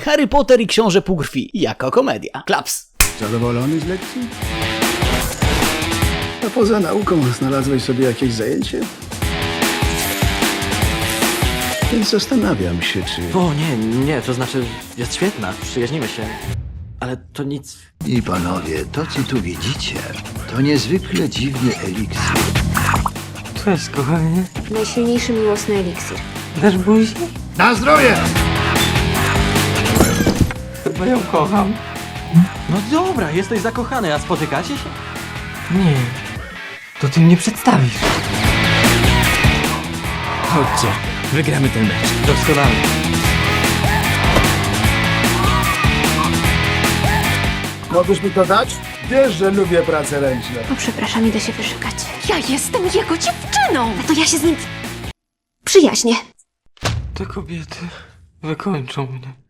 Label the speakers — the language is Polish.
Speaker 1: Harry Potter i Książę Półkrwi jako komedia. Klaps!
Speaker 2: Zadowolony z lekcji? A poza nauką znalazłeś sobie jakieś zajęcie? Więc zastanawiam się, czy...
Speaker 3: O nie, to znaczy jest świetna, przyjaźnimy się. Ale to nic...
Speaker 4: I panowie, to co tu widzicie, to niezwykle dziwny eliksir.
Speaker 3: Cześć, kochanie.
Speaker 5: Najsilniejszy miłosny eliksir.
Speaker 3: Dasz buzi?
Speaker 4: Na zdrowie!
Speaker 3: Chyba ją kocham. No dobra, jesteś zakochany, a spotykacie się? Nie, to ty mnie przedstawisz.
Speaker 1: Chodźcie, wygramy ten mecz.
Speaker 3: Doskonale.
Speaker 2: Możesz mi to dać? Wiesz, że lubię pracę ręczne.
Speaker 5: O, przepraszam, idę się wyszukać.
Speaker 6: Ja jestem jego dziewczyną!
Speaker 5: A to ja się z nim przyjaźnię.
Speaker 3: Te kobiety wykończą mnie.